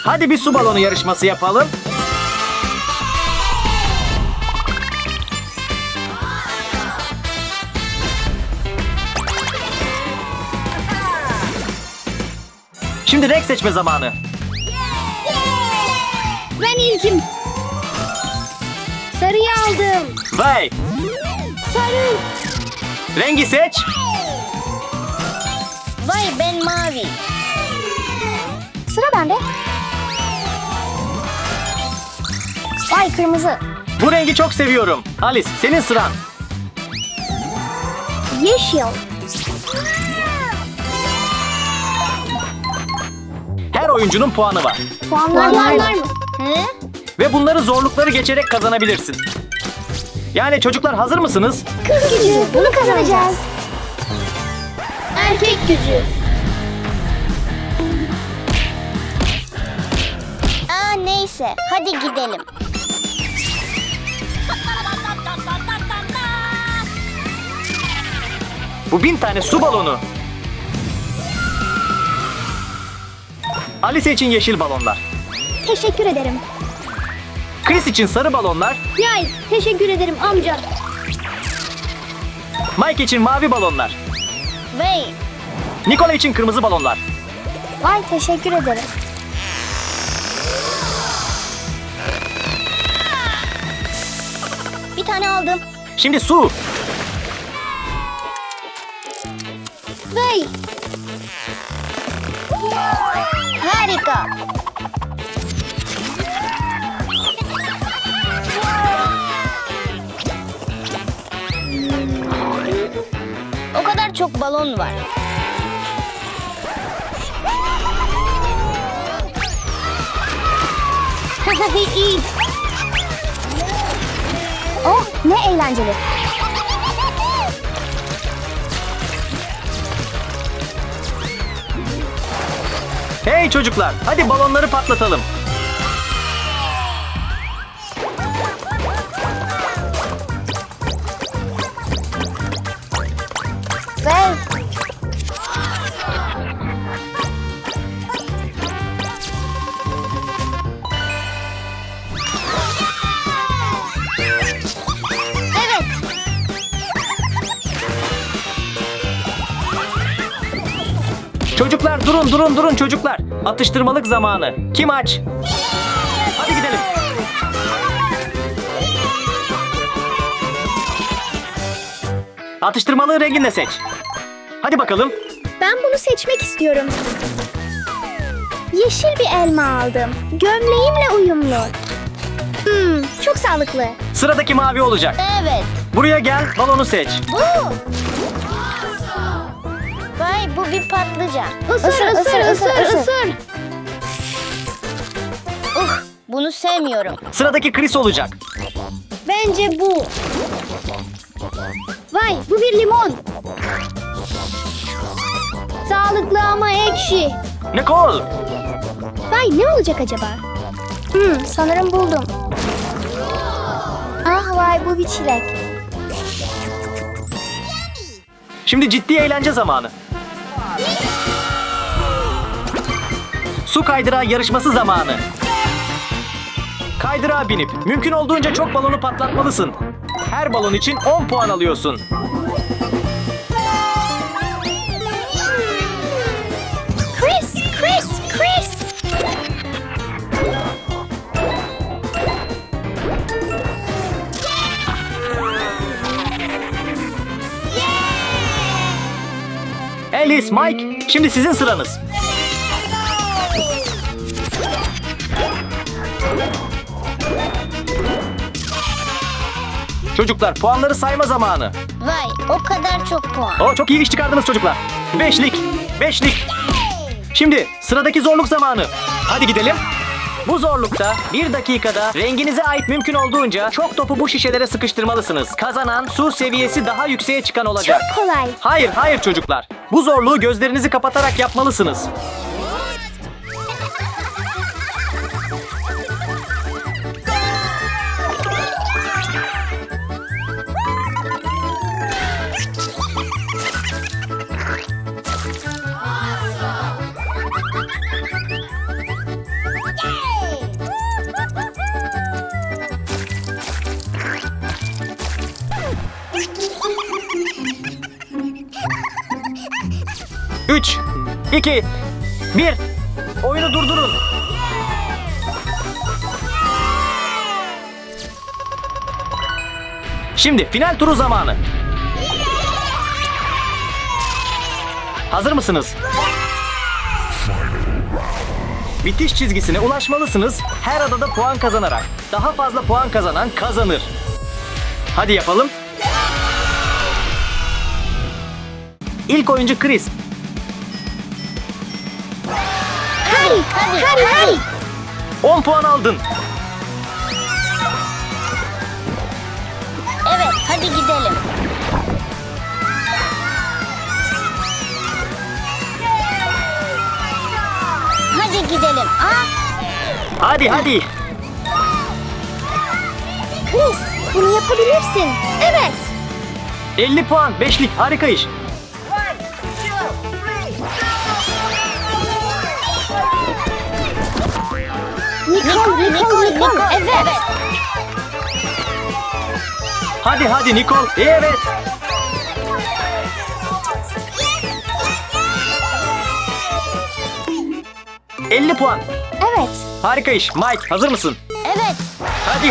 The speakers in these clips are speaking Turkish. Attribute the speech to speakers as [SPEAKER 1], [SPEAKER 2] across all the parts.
[SPEAKER 1] Hadi bir su balonu yarışması yapalım. Şimdi renk seçme zamanı.
[SPEAKER 2] Ben ilkim. Sarıyı aldım.
[SPEAKER 1] Vay!
[SPEAKER 2] Sarı.
[SPEAKER 1] Rengi seç.
[SPEAKER 2] Vay, ben mavi. Sıra bende. Vay, kırmızı.
[SPEAKER 1] Bu rengi çok seviyorum. Alice, senin sıran.
[SPEAKER 2] Yeşil.
[SPEAKER 1] Her oyuncunun puanı var.
[SPEAKER 2] Puanlar var mı?
[SPEAKER 1] Ve bunları zorlukları geçerek kazanabilirsin. Yani çocuklar hazır mısınız?
[SPEAKER 2] Kız gücü. Bunu kazanacağız. Erkek gücü.
[SPEAKER 3] Neyse, hadi gidelim.
[SPEAKER 1] Bu 1000 tane su balonu. Alice için yeşil balonlar.
[SPEAKER 2] Teşekkür ederim.
[SPEAKER 1] Chris için sarı balonlar.
[SPEAKER 2] Yay, teşekkür ederim amca.
[SPEAKER 1] Mike için mavi balonlar.
[SPEAKER 3] Vay,
[SPEAKER 1] Nikola için kırmızı balonlar.
[SPEAKER 2] Vay, teşekkür ederim.
[SPEAKER 3] bir tane aldım.
[SPEAKER 1] Şimdi su.
[SPEAKER 2] Vay.
[SPEAKER 3] Harika. O kadar çok balon var.
[SPEAKER 2] İyi. Oh, ne eğlenceli.
[SPEAKER 1] Hey çocuklar, hadi balonları patlatalım.
[SPEAKER 2] Vay.
[SPEAKER 3] Evet.
[SPEAKER 1] Çocuklar durun çocuklar. Atıştırmalık zamanı. Kim aç? Hadi gidelim. Atıştırmalığın rengini de seç. Hadi bakalım.
[SPEAKER 2] Ben bunu seçmek istiyorum. Yeşil bir elma aldım. Gömleğimle uyumlu. Çok sağlıklı.
[SPEAKER 1] Sıradaki mavi olacak.
[SPEAKER 3] Evet.
[SPEAKER 1] Buraya gel, balonu seç.
[SPEAKER 3] Bu. Vay, bu bir patlıcan.
[SPEAKER 2] Isır.
[SPEAKER 3] Bunu sevmiyorum.
[SPEAKER 1] Sıradaki Chris olacak.
[SPEAKER 2] Bence bu. Vay, bu bir limon. Sağlıklı ama ekşi.
[SPEAKER 1] Nicole.
[SPEAKER 2] Vay, ne olacak acaba? Sanırım buldum. Ah vay, bu bir çilek.
[SPEAKER 1] Şimdi ciddi eğlence zamanı. Su kaydırağı yarışması zamanı. Kaydırağa binip mümkün olduğunca çok balonu patlatmalısın. Her balon için 10 puan alıyorsun.
[SPEAKER 2] Chris.
[SPEAKER 1] Alice, Mike, şimdi sizin sıranız. Çocuklar, puanları sayma zamanı.
[SPEAKER 3] Vay, o kadar çok puan.
[SPEAKER 1] Çok iyi iş çıkardınız çocuklar. Beşlik. Şimdi sıradaki zorluk zamanı. Hadi gidelim. Bu zorlukta 1 dakikada renginize ait mümkün olduğunca çok topu bu şişelere sıkıştırmalısınız. Kazanan su seviyesi daha yükseğe çıkan olacak.
[SPEAKER 2] Çok kolay.
[SPEAKER 1] Hayır çocuklar. Bu zorluğu gözlerinizi kapatarak yapmalısınız. 3, 2, 1. Oyunu durdurun. Şimdi final turu zamanı. Hazır mısınız? Bitiş çizgisine ulaşmalısınız. Her adada puan kazanarak. Daha fazla puan kazanan kazanır. Hadi yapalım. İlk oyuncu Chris.
[SPEAKER 3] Hadi.
[SPEAKER 1] 10 puan aldın.
[SPEAKER 3] Evet, hadi gidelim. Hadi gidelim.
[SPEAKER 1] Hadi.
[SPEAKER 2] Chris, bunu yapabilirsin. Evet.
[SPEAKER 1] 50 puan. 5'lik. Harika iş.
[SPEAKER 2] Nicole.
[SPEAKER 3] Evet.
[SPEAKER 1] Hadi Nicole. Evet. ...50 puan.
[SPEAKER 2] Evet.
[SPEAKER 1] Harika iş. Mike, hazır mısın?
[SPEAKER 3] Evet.
[SPEAKER 1] Hadi.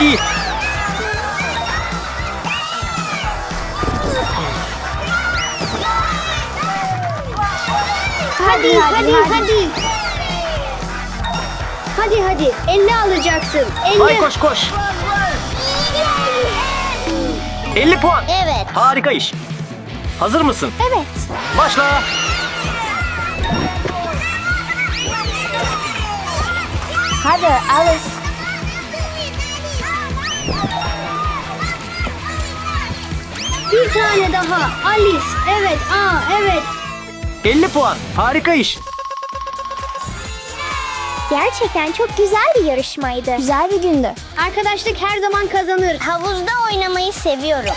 [SPEAKER 2] Hadi. 50 alacaksın. 50.
[SPEAKER 1] Mike koş. 50 puan.
[SPEAKER 3] Evet.
[SPEAKER 1] Harika iş. Hazır mısın?
[SPEAKER 2] Evet.
[SPEAKER 1] Başla.
[SPEAKER 2] Hadi Alice. Bir tane daha. Alice. Evet. Evet.
[SPEAKER 1] 50 puan. Harika iş.
[SPEAKER 2] Gerçekten çok güzel bir yarışmaydı. Güzel bir gündü. Arkadaşlık her zaman kazanır.
[SPEAKER 3] Havuzda oynamayı seviyorum.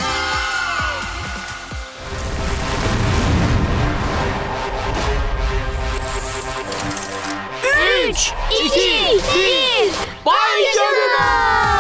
[SPEAKER 2] Üç, iki, bir. Vay canına!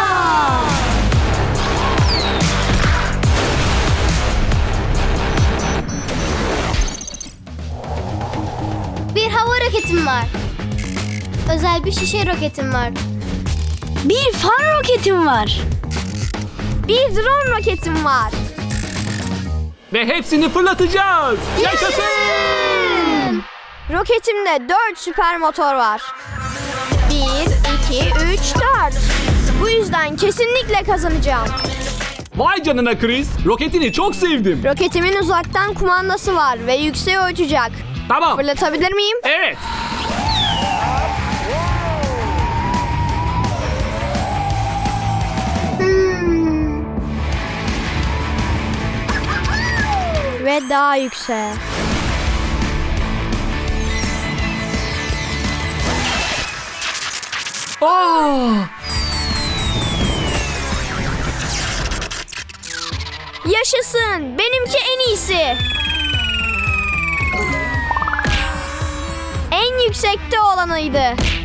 [SPEAKER 2] Bir hava roketim var. Özel bir şişe roketim var. Bir fan roketim var. Bir drone roketim var.
[SPEAKER 4] Ve hepsini fırlatacağız.
[SPEAKER 2] Yaşasın! Roketimde 4 süper motor var. 1, 2, 3, 4. Bu yüzden kesinlikle kazanacağım.
[SPEAKER 4] Vay canına Chris. Roketini çok sevdim.
[SPEAKER 2] Roketimin uzaktan kumandası var ve yükseğe uçacak.
[SPEAKER 4] Tamam.
[SPEAKER 2] Fırlatabilir miyim?
[SPEAKER 4] Evet.
[SPEAKER 2] Ve daha yükseğe.
[SPEAKER 4] Aa!
[SPEAKER 2] Yaşasın! Benimki en iyisi. En yüksekte olanıydı.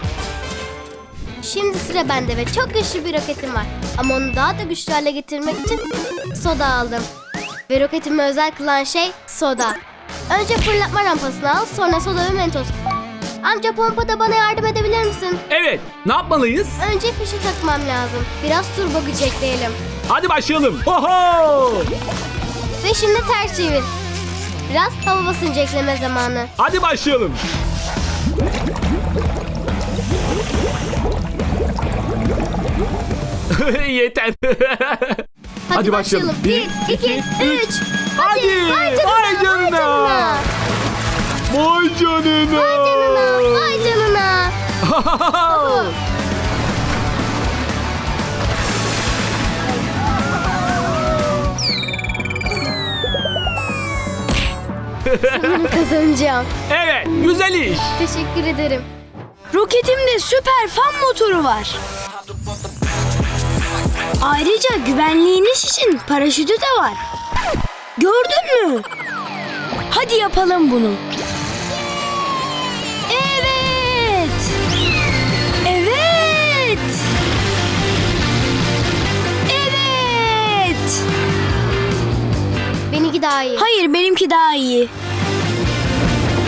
[SPEAKER 2] Şimdi sıra bende ve çok güçlü bir roketim var. Ama onu daha da güçlü hale getirmek için soda aldım. Ve roketimi özel kılan şey soda. Önce fırlatma rampasını al, sonra soda ve mentos. Amca pompada bana yardım edebilir misin?
[SPEAKER 4] Evet. Ne yapmalıyız?
[SPEAKER 2] Önce fişi takmam lazım. Biraz turbo güç ekleyelim.
[SPEAKER 4] Hadi başlayalım. Oho!
[SPEAKER 2] Ve şimdi ters çevir. Biraz hava basıncı ekleme zamanı.
[SPEAKER 4] Hadi başlayalım. Yeter.
[SPEAKER 2] Hadi başlayalım. 1, 2, 3.
[SPEAKER 4] Hadi.
[SPEAKER 2] Vay
[SPEAKER 4] Vay canına. Vay canına.
[SPEAKER 2] Vay canına. Sanırım kazanacağım.
[SPEAKER 4] Evet. Güzel iş.
[SPEAKER 2] Teşekkür ederim.
[SPEAKER 5] Roketimde süper fan motoru var. Ayrıca güvenliğiniz için paraşütü de var. Gördün mü? Hadi yapalım bunu. Evet. Evet. Evet.
[SPEAKER 2] Benimki daha iyi.
[SPEAKER 5] Hayır, benimki daha iyi.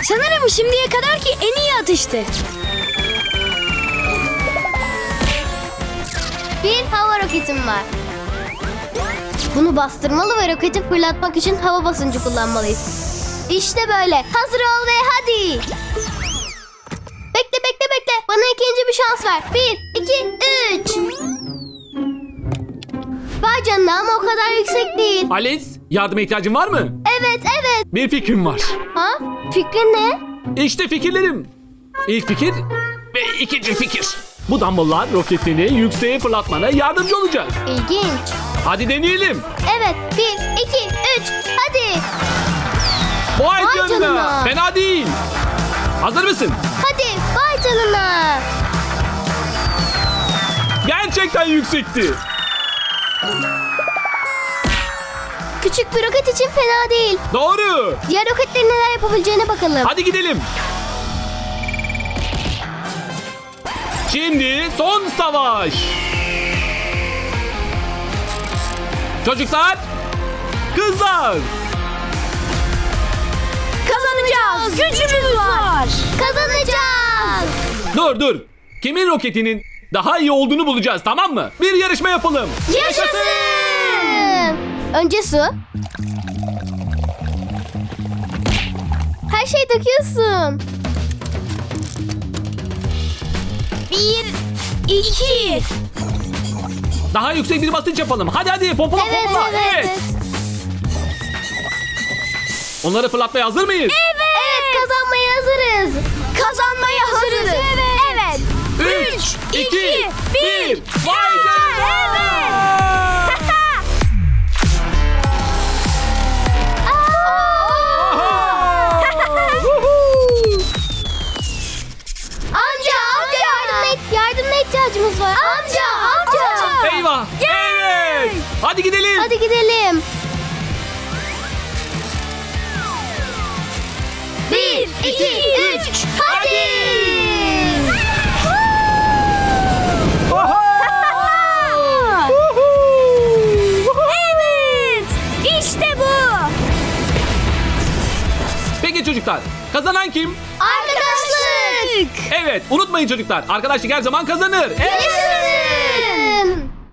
[SPEAKER 5] Sanırım şimdiye kadarki en iyi atıştı.
[SPEAKER 2] Bir hava roketim var. Bunu bastırmalı ve roketi fırlatmak için hava basıncı kullanmalıyız. İşte böyle. Hazır ol ve hadi. Bekle. Bana ikinci bir şans ver. 1, 2, 3. Vay canına ama o kadar yüksek değil.
[SPEAKER 4] Alice, yardıma ihtiyacın var mı?
[SPEAKER 2] Evet.
[SPEAKER 4] Bir fikrim var.
[SPEAKER 2] Ha? Fikrin ne?
[SPEAKER 4] İşte fikirlerim. İlk fikir ve ikinci fikir. Bu dumbbell'lar roketini yükseğe fırlatmana yardımcı olacak.
[SPEAKER 2] İlginç.
[SPEAKER 4] Hadi deneyelim.
[SPEAKER 2] Evet. 1, 2, 3. Hadi.
[SPEAKER 4] Vay
[SPEAKER 2] Vay
[SPEAKER 4] canına.
[SPEAKER 2] canına.
[SPEAKER 4] Fena değil. Hazır mısın?
[SPEAKER 2] Hadi. Vay canına.
[SPEAKER 4] Gerçekten yüksekti.
[SPEAKER 2] Küçük bir roket için fena değil.
[SPEAKER 4] Doğru.
[SPEAKER 2] Diğer roketlerin neler yapabileceğine bakalım.
[SPEAKER 4] Hadi gidelim. Şimdi son savaş. Çocuklar, kızlar.
[SPEAKER 5] Kazanacağız. Gücümüz var.
[SPEAKER 2] Kazanacağız.
[SPEAKER 4] Dur. Kimin roketinin daha iyi olduğunu bulacağız, tamam mı? Bir yarışma yapalım.
[SPEAKER 2] Yaşasın. Önce su. Her şeyi döküyorsun.
[SPEAKER 5] 1, 2.
[SPEAKER 4] Daha yüksek bir basınç yapalım. Hadi pompala.
[SPEAKER 2] Evet.
[SPEAKER 4] Onları fırlatmaya hazır mıyız?
[SPEAKER 2] Evet, kazanmaya hazırız.
[SPEAKER 5] Kazanmaya hazırız. Evet.
[SPEAKER 4] 3, 2, 1. Vay canına.
[SPEAKER 2] Amca yardımına ihtiyacımız var. Amca.
[SPEAKER 4] Eyvah. Evet. Hadi gidelim.
[SPEAKER 2] Hadi gidelim. 1, 2, 3. Hadi.
[SPEAKER 5] Evet. İşte bu.
[SPEAKER 4] Peki çocuklar, kazanan kim?
[SPEAKER 2] Arkadaşlık.
[SPEAKER 4] Evet, unutmayın çocuklar. Arkadaşlık her zaman kazanır. Evet.
[SPEAKER 2] Yaşasın.